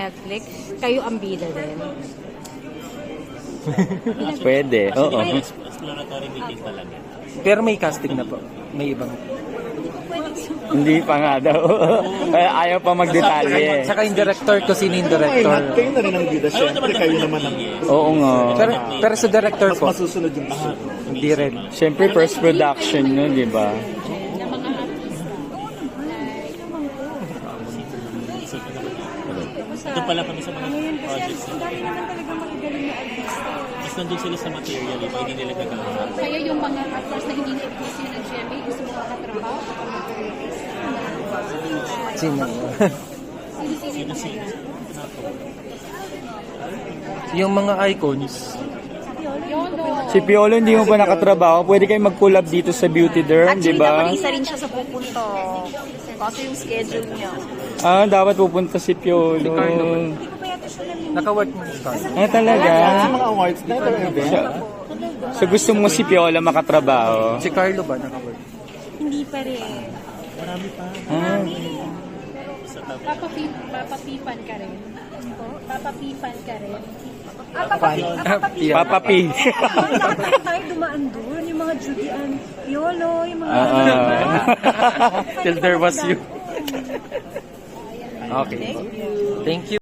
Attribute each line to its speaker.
Speaker 1: Netflix, kayo ang bida din.
Speaker 2: Pwede, oo.
Speaker 3: Exploratory meeting talaga.
Speaker 4: Pero may casting na po. May ibang.
Speaker 2: Hindi pa nga daw. Ayaw pa magdetalye.
Speaker 4: Saka yung director ko, sino yung director.
Speaker 5: Kayo na rin ang bida, syempre. Kayo naman ang
Speaker 2: Oo nga.
Speaker 4: Pero sa director
Speaker 5: mas
Speaker 4: po,
Speaker 5: masusunod yung gusto.
Speaker 4: hindi rin.
Speaker 2: Siyempre first production nyo, di ba?
Speaker 1: Na mga artista.
Speaker 3: Ito pala kami sa mga projects.
Speaker 6: Ang dami naman talaga magagaling na artista.
Speaker 3: Mas nandun sila sa material, iba hindi nila gagawin.
Speaker 1: Kaya yung mga actors na hindi na-ibigay sila ng GMA, gusto mo makatrabaho kapag mag-release.
Speaker 4: Sino?
Speaker 1: Sino-sino na ngayon?
Speaker 4: Yung mga icons.
Speaker 1: Yolo.
Speaker 2: Si Piolo hindi mo pa nakatrabaho. Pwede kayo mag-collab dito sa Beauty Derm, di
Speaker 6: Actually,
Speaker 2: ba?
Speaker 6: dapat isa rin siya sa pupunto. Kasi yung schedule niya.
Speaker 2: Ah, dapat pupunta si Piolo.
Speaker 6: Hindi ko pa yata siya namin.
Speaker 4: Naka-work mo sa
Speaker 2: Ah, talaga?
Speaker 5: Sa mga awards, never event.
Speaker 2: So gusto mo si Piolo makatrabaho?
Speaker 4: Si Carlo ba naka-work?
Speaker 6: Hindi pa rin.
Speaker 2: Ah,
Speaker 1: Papapipan ka rin. Papapipan ka rin.
Speaker 2: Papa P.
Speaker 6: Bakit tayo dumaan doon? Yung mga Judean, Yolo, yung mga...
Speaker 4: Till there was you. Okay. Thank you.